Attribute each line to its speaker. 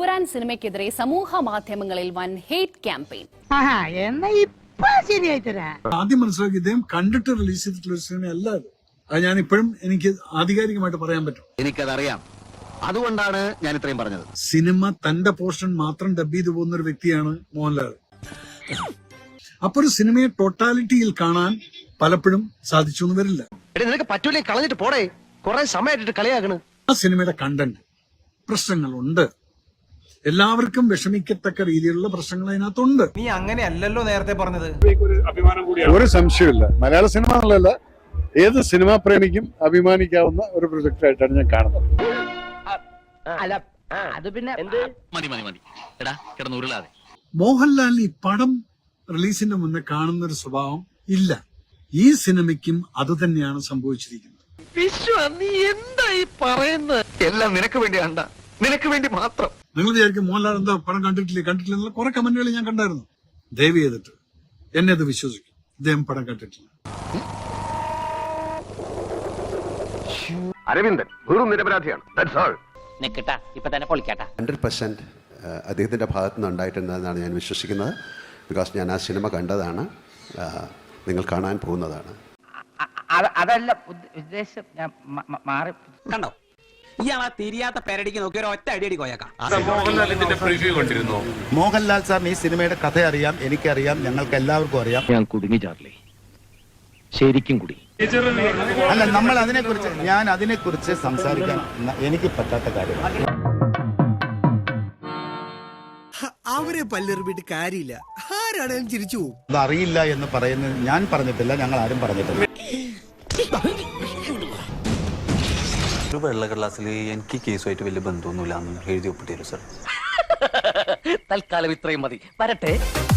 Speaker 1: എമ്പുരാൻ സിനിമയ്ക്കെതിരെ സമൂഹ മാധ്യമങ്ങളിൽ വൻ ഹേറ്റ് ക്യാമ്പയിൻ.
Speaker 2: ആദ്യം മനസ്സിലാക്കി ഇദ്ദേഹം കണ്ടിട്ട് റിലീസ് ചെയ്തിട്ടുള്ള ഒരു സിനിമയല്ല അത് ഞാൻ ഇപ്പോഴും എനിക്ക് ആധികാരികമായിട്ട് പറയാൻ പറ്റും.
Speaker 3: എനിക്കതറിയാം, അതുകൊണ്ടാണ് ഞാൻ ഇത്രയും പറഞ്ഞത്.
Speaker 2: സിനിമ തന്റെ പോർഷൻ മാത്രം ഡബ് ചെയ്തു പോകുന്ന ഒരു വ്യക്തിയാണ് മോഹൻലാൽ. അപ്പൊ ഒരു സിനിമയെ ടോട്ടാലിറ്റിയിൽ കാണാൻ പലപ്പോഴും സാധിച്ചു എന്ന് വരില്ല.
Speaker 3: നിനക്ക് പറ്റൂലേ, കളഞ്ഞിട്ട് പോടേ, കുറെ സമയമായിട്ട് കളിയാകണ്.
Speaker 2: ആ സിനിമയുടെ കണ്ടന്റ് പ്രശ്നങ്ങളുണ്ട്, എല്ലാവർക്കും വിഷമിക്കത്തക്ക രീതിയിലുള്ള പ്രശ്നങ്ങൾ അതിനകത്തുണ്ട്.
Speaker 4: നീ അങ്ങനെയല്ലല്ലോ നേരത്തെ പറഞ്ഞത്.
Speaker 5: ഒരു സംശയമില്ല, മലയാള സിനിമ എന്നുള്ളതല്ല ഏത് സിനിമാ പ്രേമിക്കും അഭിമാനിക്കാവുന്ന ഒരു പ്രൊജക്ട് ആയിട്ടാണ് ഞാൻ കാണുന്നത്. മോഹൻലാലിന് ഈ പടം റിലീസിന്റെ മുന്നേ കാണുന്ന ഒരു സ്വഭാവം ഇല്ല. ഈ സിനിമയ്ക്കും അത് തന്നെയാണ് സംഭവിച്ചിരിക്കുന്നത്.
Speaker 3: നീ എന്തായി പറയുന്നത്? എല്ലാം നിനക്ക് വേണ്ടിയാണ്ട, നിനക്ക് വേണ്ടി മാത്രം.
Speaker 2: നിങ്ങൾ വിചാരിക്കും മോഹൻലാൽ എന്താ പടം കണ്ടിട്ടില്ല എന്നുള്ള കുറെ കമന്റുകൾ ഞാൻ കണ്ടായിരുന്നു. ദയവ് ചെയ്തിട്ട് എന്നെ അത് വിശ്വസിക്കും, ഇദ്ദേഹം പടം കണ്ടിട്ടില്ല.
Speaker 3: അരവിന്ദൻ വെറും നിരപരാധിയാണ്.
Speaker 6: 100% അദ്ദേഹത്തിൻ്റെ ഭാഗത്തു നിന്ന് ഉണ്ടായിട്ടുണ്ടെന്നാണ് ഞാൻ വിശ്വസിക്കുന്നത്. ബിക്കോസ് ഞാൻ ആ സിനിമ കണ്ടതാണ്, നിങ്ങൾ കാണാൻ പോകുന്നതാണ്.
Speaker 7: അതല്ല ഉദ്ദേശം, ഞാൻ മാറി
Speaker 4: കണ്ടോ ഇയാളാ തിരിയാത്ത പേരടിക്ക് നോക്കി ഒരു ഒറ്റ അടിയടി കോയക്കാം.
Speaker 8: മോഹൻലാൽ സാറിന് ഈ സിനിമയുടെ കഥ അറിയാം, എനിക്കറിയാം, ഞങ്ങൾക്ക് എല്ലാവർക്കും അറിയാം.
Speaker 3: ഞാൻ കുടുങ്ങി ചാർലി, ശരിക്കും കുടുങ്ങി.
Speaker 8: അല്ല, നമ്മൾ അതിനെക്കുറിച്ച് സംസാരിക്കാൻ എനിക്ക് പറ്റാത്ത കാര്യമാണ്.
Speaker 9: അവരെ പല്ലെറിഞ്ഞിട്ട് കാര്യമില്ല, ആരാണേലും ചിരിച്ചു പോകും.
Speaker 8: അത് അറിയില്ല എന്ന് പറയുന്നത് ഞാൻ പറഞ്ഞിട്ടില്ല, ഞങ്ങൾ ആരും പറഞ്ഞിട്ടില്ല.
Speaker 10: ഒരു വെള്ളക്കടലാസിൽ എനിക്ക് കേസുമായിട്ട് വലിയ ബന്ധമൊന്നുമില്ല എന്ന് എഴുതി ഒപ്പിട്ടു സർ.
Speaker 3: തൽക്കാലം ഇത്രയും മതി, വരട്ടെ.